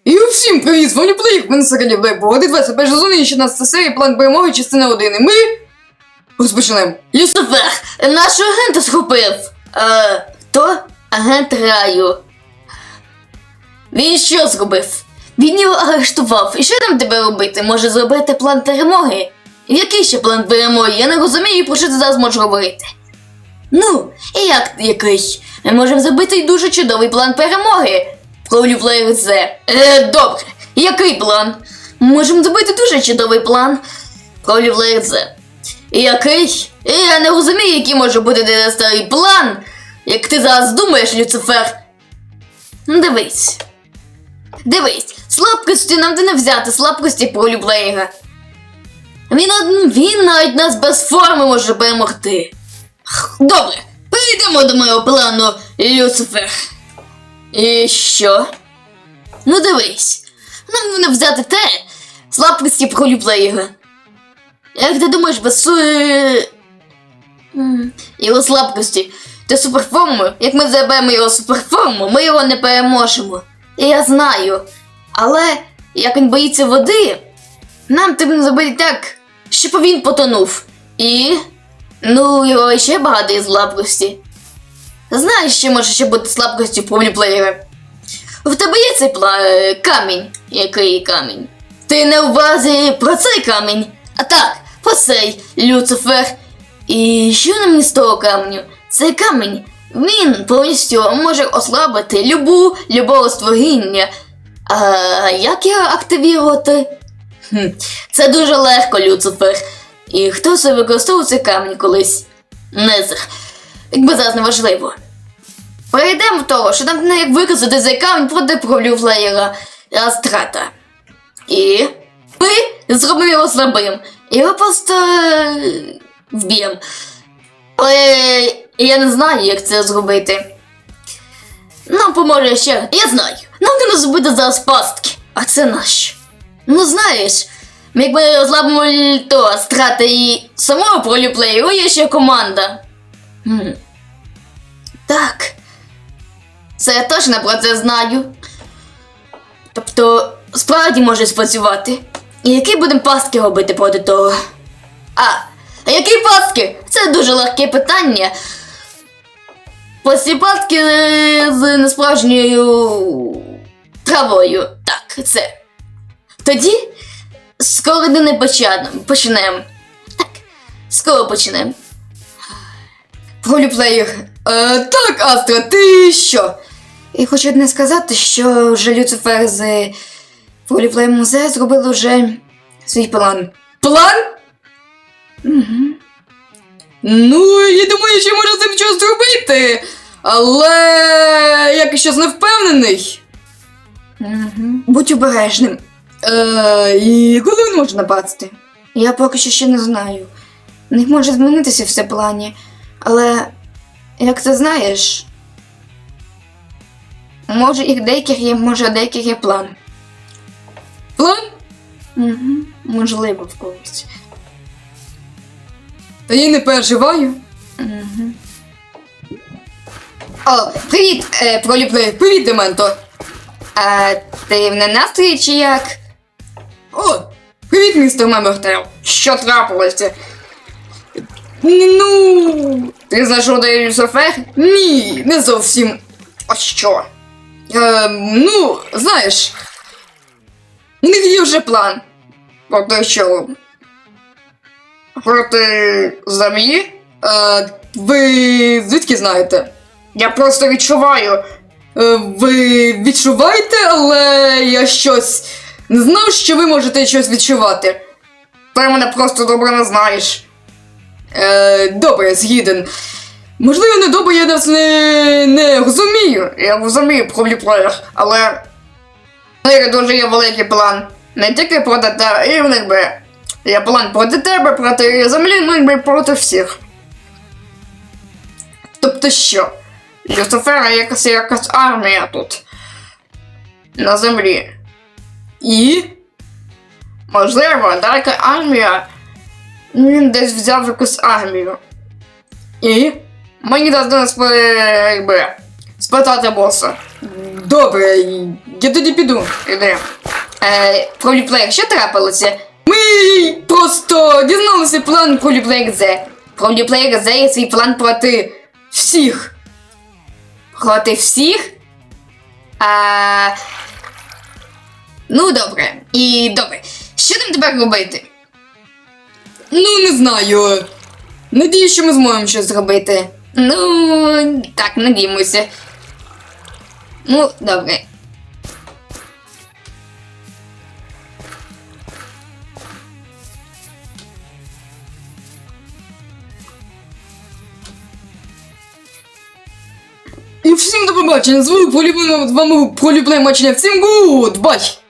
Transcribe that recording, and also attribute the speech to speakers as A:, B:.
A: І всім привіт, з вами Плейк, мене Сакалів Лейбо, 21 сезон і 16 серія, план перемоги, частина 1, і ми розпочнемо.
B: Люцифер, нашого агента схопив. Хто? Агент Раю. Він що зробив? Він його арештував. І що нам тебе робити? Може зробити план перемоги? Який ще план перемоги? Я не розумію, про що ти зараз можеш говорити. Ну, і як який? Ми можемо зробити дуже чудовий план перемоги. Правлю Плеєр Зе. Добре. Який план? Ми можемо зробити дуже чудовий план. Правлю Плеєр Зе. Який? Я не розумію, який може бути старий план, як ти зараз думаєш, Люцифер. Дивись. Дивись, слабкості нам де не взяти, слабкості Правлю Плеєра. Він навіть нас без форми може перемогти. Добре, перейдемо до моєго плану, Люцифер. І що? Ну дивись, нам не взяти те, слабкості Правлю Плеєра. Як ти думаєш, без його слабкості та суперформу, як ми заберемо його суперформу, ми його не переможемо. І я знаю. Але, як він боїться води, нам треба зробити так, щоб він потонув. І, його ще багато є слабкості. Знаєш, що може ще бути слабкістю в Правлю Плеєра? В тебе є цей камінь. Який камінь? Ти не в увазі про цей камінь? А так, про цей, Люцифер. І що нам з того каменю? Цей камінь, він повністю може ослабити любого створіння. А як його активувати? Це дуже легко, Люцифер. І хто це використовував цей камінь колись? Незер. Якби зараз не важливо. Перейдемо до того, що нам не як використати цей камінь проти Правлю Плеєра Астрата. І ми зробимо його слабим. Його просто вб'ємо. Але я не знаю, як це зробити. Нам поможе ще. Я знаю. Нам треба зробити зараз пастки. А це наш. Ну знаєш, як ми розлабимо то Астрата і самого Правлю Плеєра, є ще команда. Так. Це я точно про це знаю. Тобто, справді може спрацювати. І які будемо пастки робити проти того? А які пастки? Це дуже легке питання. Прості пастки з несправжньою травою. Так, це. Тоді скоро не почнемо. Так, скоро почнемо.
A: Правлю Плеєр. Так, Астра, ти що? І хочу одне сказати, що вже Люцифер з Правлю Плеєр Музею зробили вже свій план. План? Угу. Ну, я думаю, що може з цим щось зробити, але я щось не впевнений. Будь обережним. І коли він може напасти? Я поки що ще не знаю. У них може змінитися все в плані, але, як ти знаєш, може у деяких є план. План? Угу. Можливо, в когось. Та я не переживаю. Угу. О, привіт, Правлю Плеєр, привіт, Дементо. Ти в ненастрої чи як? О, привіт, містер Мемортел. Що трапилося? Ну, ти знайшов де Люцифер? Ні, не зовсім. А що? Ну, знаєш, у них є вже план. Проти що? Проти землі? Ви звідки знаєте? Я просто відчуваю. Ви відчуваєте, але я щось не знав, що ви можете щось відчувати. Ти мене просто добре не знаєш. Добре, згіден. Можливо, не добре, я нас не розумію. Я розумію Правлю Плеєр, але у них дуже є великий план. Не тільки проти тебе, і в них би є план проти тебе, проти землі, ну якби проти всіх. Тобто що? Люцифера якась армія тут. На землі. І? Можливо, далека армія. Він десь взяв якусь армію. І? Мені треба спитати боса. Добре, я тоді піду.
B: Іди. Проліплеєр, що трапилося?
A: Ми просто дізналися план Проліплеєр Z.
B: Проліплеєр Z є свій план проти
A: Всіх.
B: проти всіх? Ну, добре. І добре. Що нам тепер робити?
A: Ну, не знаю. Надіюсь, що ми зможемо щось зробити.
B: Ну, так, надіємося. Ну, добре.
A: І всім до побачення. З вами Проліплеєр Мачення. Всім гуд! Бай!